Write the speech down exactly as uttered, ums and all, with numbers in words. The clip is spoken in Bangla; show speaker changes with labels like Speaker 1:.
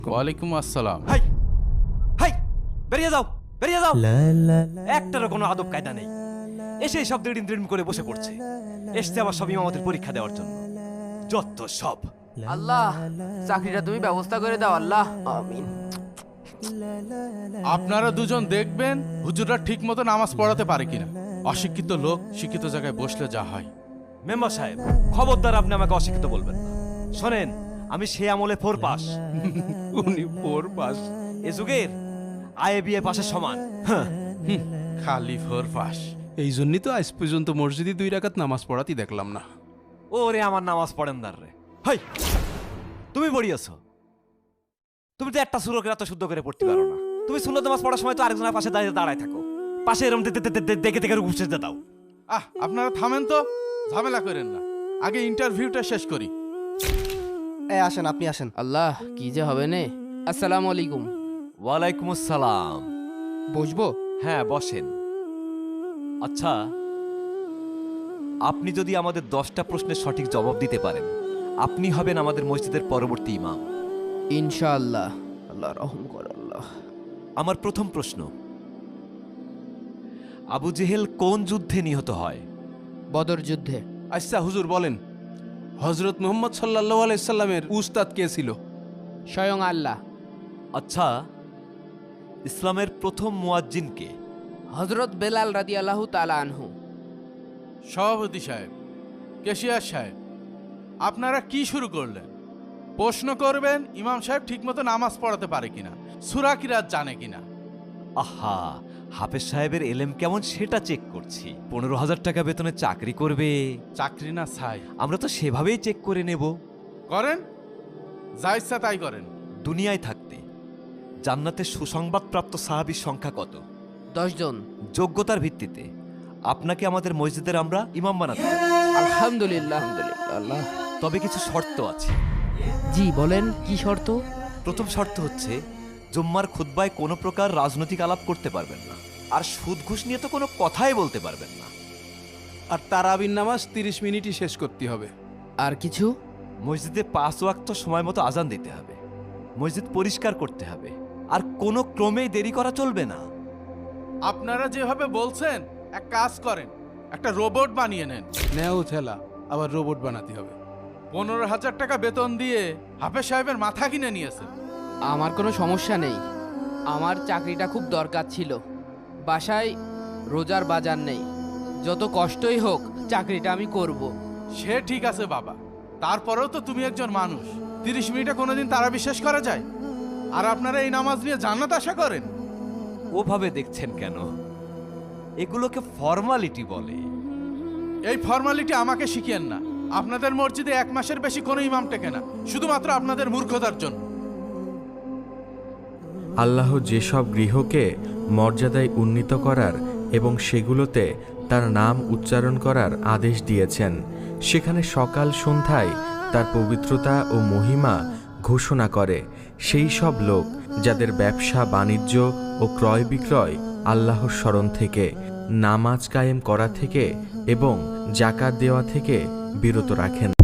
Speaker 1: ওয়ালাইকুম আসসালাম।
Speaker 2: হাই হাই বেরিয়ে যাও বেরিয়ে যাও, একটারও কোনো আদব কায়দা নেই। এসে সব দিন দিন করে বসে পড়ছে, এসছে আবার সব ইমামতের পরীক্ষা দেওয়ার জন্য। যত সব।
Speaker 3: আল্লাহ চাকরিটা তুমি ব্যবস্থা করে দাও আল্লাহ, আমিন।
Speaker 1: আপনারা দুজন দেখবেন হুজুররা ঠিক মতো নামাজ পড়াতে পারে কিনা। অশিক্ষিত লোক শিক্ষিত জায়গায় বসলে যা হয়।
Speaker 2: মেম্বার সাহেব, খবরদার আপনি আমাকে অশিক্ষিত বলবেন না। শোনেন, আমি সে আমলে ফোর পাস।
Speaker 1: উনি ফোর পাস?
Speaker 2: এ যুগের আয়ে বিয়ে পাশের সমান। হ্যাঁ,
Speaker 1: খালি ফোর পাস।
Speaker 4: এই জন্যই তো আজ পর্যন্ত মসজিদে দুই রাকাত নামাজ পড়াতেই দেখলাম না।
Speaker 2: ওরে আমার নামাজ পড়েন দার রে। হাই, তুমি পড়িয়েছো? তুমি তো একটা সুরকে এত শুদ্ধ করে পড়তে পারো না। তুমি সুন্নত নামাজ পড়ার সময় তো আরেকজনের পাশে দাঁড়িয়ে দাঁড়ায় থাকো, পাশে এরকম দেখে দেখে উপসে দাও।
Speaker 1: আহ, আপনারা থামেন তো, ঝামেলা করেন না। আগে ইন্টারভিউটা শেষ করি।
Speaker 5: এই আসেন, আপনি আসেন।
Speaker 3: আল্লাহ কি যে হবে নে। আসসালামু আলাইকুম।
Speaker 2: ওয়ালাইকুম আসসালাম।
Speaker 3: বসবো?
Speaker 2: হ্যাঁ, বসেন। আচ্ছা, আপনি যদি আমাদের দশটা প্রশ্নের সঠিক জবাব দিতে পারেন, আপনি হবেন আমাদের মসজিদের পরবর্তী ইমাম।
Speaker 3: ইনশাআল্লাহ। আল্লাহ রহম কর আল্লাহ।
Speaker 2: আমার প্রথম প্রশ্ন, আবু জেহেল কোন যুদ্ধে নিহত হয়?
Speaker 3: বদর যুদ্ধে।
Speaker 4: আচ্ছা হুজুর বলেন, হজরত মুহাম্মদ সাল্লাল্লাহু আলাইহি সাল্লামের উস্তাদ কে ছিল?
Speaker 3: স্বয়ং আল্লাহ।
Speaker 2: আচ্ছা, ইসলামের প্রথম মুয়াজ্জিন কে?
Speaker 3: হজরত বেলাল রাদিয়াল্লাহু তাআলা আনহু।
Speaker 1: সভাপতি সাহেব, কেশিয়ার সাহেব, আপনারা কি শুরু করলেন? প্রশ্ন করবেন ইমাম সাহেব ঠিকমতো নামাজ পড়াতে পারে কিনা, সূরা কিরাত জানে কিনা।
Speaker 2: আহা, হাফেজ সাহেবের এলেম কেমন সেটা চেক করছি। পনেরো হাজার টাকা বেতনে চাকরি করবে,
Speaker 1: চাকরি না ছাই।
Speaker 2: আমরা তো সেভাবেই চেক করে নেব।
Speaker 1: করেন, যা ইচ্ছা তাই করেন।
Speaker 2: দুনিয়ায় থাকতে জান্নাতের সুসংবাদপ্রাপ্ত সাহাবীর সংখ্যা কত?
Speaker 3: দশ জন।
Speaker 2: যোগ্যতার ভিত্তিতে আপনাকে আমাদের মসজিদের আমরা ইমাম বানাতে পারি।
Speaker 3: আলহামদুলিল্লাহ আলহামদুলিল্লাহ আল্লাহ।
Speaker 2: তবে কিছু শর্ত আছে।
Speaker 3: জি বলেন, কি শর্ত?
Speaker 2: প্রথম শর্ত হচ্ছে, জুম্মার খুতবায় কোনো প্রকার রাজনৈতিক আলাপ করতে পারবেন না, আর সুদ ঘুষ নিয়ে তো কোনো কথাই বলতে পারবেন না।
Speaker 4: আর তারাবির নামাজ তিরিশ মিনিটই শেষ করতে হবে।
Speaker 3: আর কিছু?
Speaker 2: মসজিদে পাঁচ ওয়াক্ত সময় মতো আজান দিতে হবে, মসজিদ পরিষ্কার করতে হবে, আর কোনো ক্রমেই দেরি করা চলবে না।
Speaker 1: আপনারা যেভাবে বলছেন, এক কাজ করেন, একটা রোবট বানিয়ে নেন।
Speaker 4: নেও ঠেলা, আবার রোবট বানাতে হবে।
Speaker 1: পনেরো হাজার টাকা বেতন দিয়ে হাফেজ সাহেবের মাথা কিনে নিয়েছেন।
Speaker 3: আমার কোনো সমস্যা নেই, আমার চাকরিটা খুব দরকার ছিল। বাসায় রোজার বাজার নেই, যত কষ্টই হোক চাকরিটা আমি করব।
Speaker 1: সে ঠিক আছে বাবা, তারপরেও তো তুমি একজন মানুষ। তিরিশ মিনিটে কোনোদিন তারা বিশ্বাস করা যায়? আর আপনারা এই নামাজ নিয়ে জান্নাত আশা করেন?
Speaker 2: ওভাবে দেখছেন কেন? এগুলোকে ফর্মালিটি বলে।
Speaker 1: এই ফর্মালিটি আমাকে শিখিয়েন না। আপনাদের মসজিদে এক মাসের বেশি কোনো ইমাম টেকে না, শুধুমাত্র আপনাদের মূর্খতার জন্য।
Speaker 6: আল্লাহ যেসব গৃহকে মর্যাদায় উন্নীত করার এবং সেগুলোতে তার নাম উচ্চারণ করার আদেশ দিয়েছেন, সেখানে সকাল সন্ধ্যায় তার পবিত্রতা ও মহিমা ঘোষণা করে সেই সব লোক যাদের ব্যবসা বাণিজ্য ও ক্রয় বিক্রয় আল্লাহর স্মরণ থেকে, নামাজ কায়েম করা থেকে এবং জাকাত দেওয়া থেকে বিরত রাখেন।